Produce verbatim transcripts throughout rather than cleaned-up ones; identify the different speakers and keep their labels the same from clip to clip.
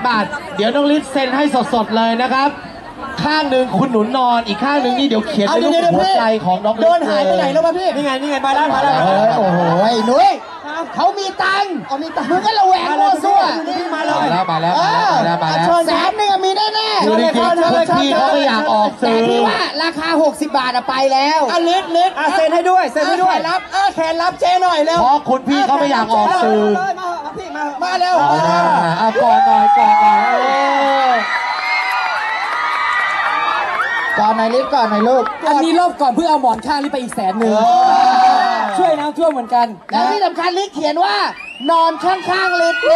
Speaker 1: บาทเดี๋ยวน้องฤทธิ์เซ็นให้สดๆเลยนะครับข้างหนึ่งคุณหนุนนอนอีกข้างหนึ่งนี่เดี๋ยวเขียนเป็นรูปหัวใจของน้องฤทธิ์โดนหายไปไหนแล้ววะพี่นี่ไงนี่ไงมาแล้วมาแล้วโอ้โหไอ้หนุ่ยเขามีตังค์มีตังค์มึงก็ระแวงโง่ซั่วมาแล้วมาแล้วมาแล้วมาแล้วมาแล้วแสนหนึ่งมีแน่แน่คือจริงๆพี่เขาไม่อยากออกสื่อแต่พี่ว่าราคาหกสิบบาทอะไปแล้วอ่ะฤทธิ์ฤทธิ์เซ็นให้ด้วยเซ็นให้ด้วยรับเออแขนรับเจ๊หน่อยเร็วเพราะคุณพี่เขาไม่อยากออกสื่อมาพี่มามาเร็วอ่ะก่อนหน่อยก่อนหน่อยก่อนหน่อยฤทธิ์ก่อนหน่อยลูก
Speaker 2: อันนี้รอบก่อนเพื่อเอาหมอนข้างนี่ไปอีกแสนหนึ่งช่วยน้ำท่วมเหมือนกัน
Speaker 1: แล้วที่สำคัญฤทธิ์เขียนว่านอนข้างๆฤทธิ์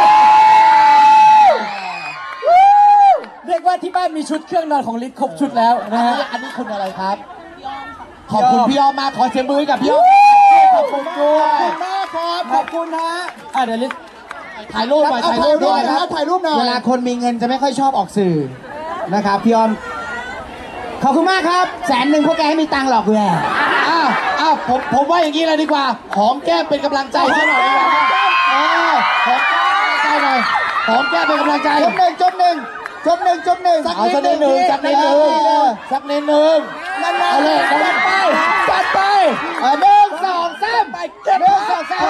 Speaker 2: เรียกว่าที่บ้านมีชุดเครื่องนอนของฤทธิ์ครบชุดแล้วนะฮะ
Speaker 1: อันนี้คุณอะไรครับขอบคุณพี่อ้อมมากขอเสียงมือกับพี่อ้อมขอบคุณด้วยขอบคุณมากครับขอบคุณนะ
Speaker 2: อ่ะเดี๋ยวฤทธิ์
Speaker 1: ถ่ายรูปหน่อยถ่ายรูปด้วยนะครับถ่ายรูปหน่อยเวลาคนมีเงินจะไม่ค่อยชอบออกสื่อนะครับพี่อ้อมขอบคุณมากครับแสนหนึ่งพวกแกให้มีตังค์หรอกแย่อ้าวอ้าวผมผมว่าอย่างนี้เลยดีกว่าหอมแก้มเป็นกำลังใจให้หน่อยดีกว่าเออหอมแก้มเป็นกำลังใจหน่อยหอมแก้มเป็นกำลังใจจบหนึ่งจบหนึ่งจบหนึ่งจบหนึ่งเอาสักนิดหนึ่งสักนิดหนึ่งสักนิดหนึ่งเอาเลยจัดไปจัดไปหนึ่งสองสามไปหนึ่งสองสาม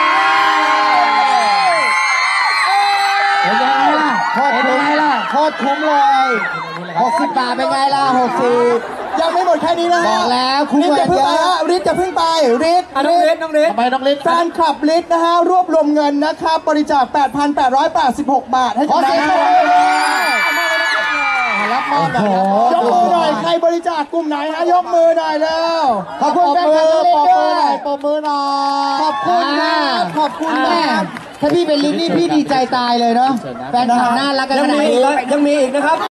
Speaker 1: เป็นยังไงล่ะโคตรเป็นไงล่ะโคตรคุ้มเลยหกสิบบาทเป็นไงล่ะหกสิบยังไม่หมดแค่นี้นะบอกแล้วคุ้มเลยเยอะฤทธิ์จะพึ่งไปฤทธิ์
Speaker 2: น้องฤทธิ์น้องฤทธิ์
Speaker 1: ทำไมน้องฤทธิ์
Speaker 3: แฟนคลับฤทธิ์นะฮะรวบรวมเงินนะครับบริจาค แปดพันแปดร้อยแปดสิบหก บาทให้กับน้อง
Speaker 1: รับมอบหน่อย
Speaker 3: ยกมือหน่อยใครบริจาคกลุ่มไหนฮะยกมือหน่อยแล้ว
Speaker 1: ขอบคุณแฟนคลับฤทธิ์ด้วยปรบมือหน่อย
Speaker 3: ขอบคุณครับขอบคุณมาก
Speaker 1: ถ้าพี่เป็นฤทธิ์นี่พี่ดีใจตายเลยเนาะแฟนคลับน่ารักกันขนาดนี้
Speaker 2: ยังมีอีกนะครับ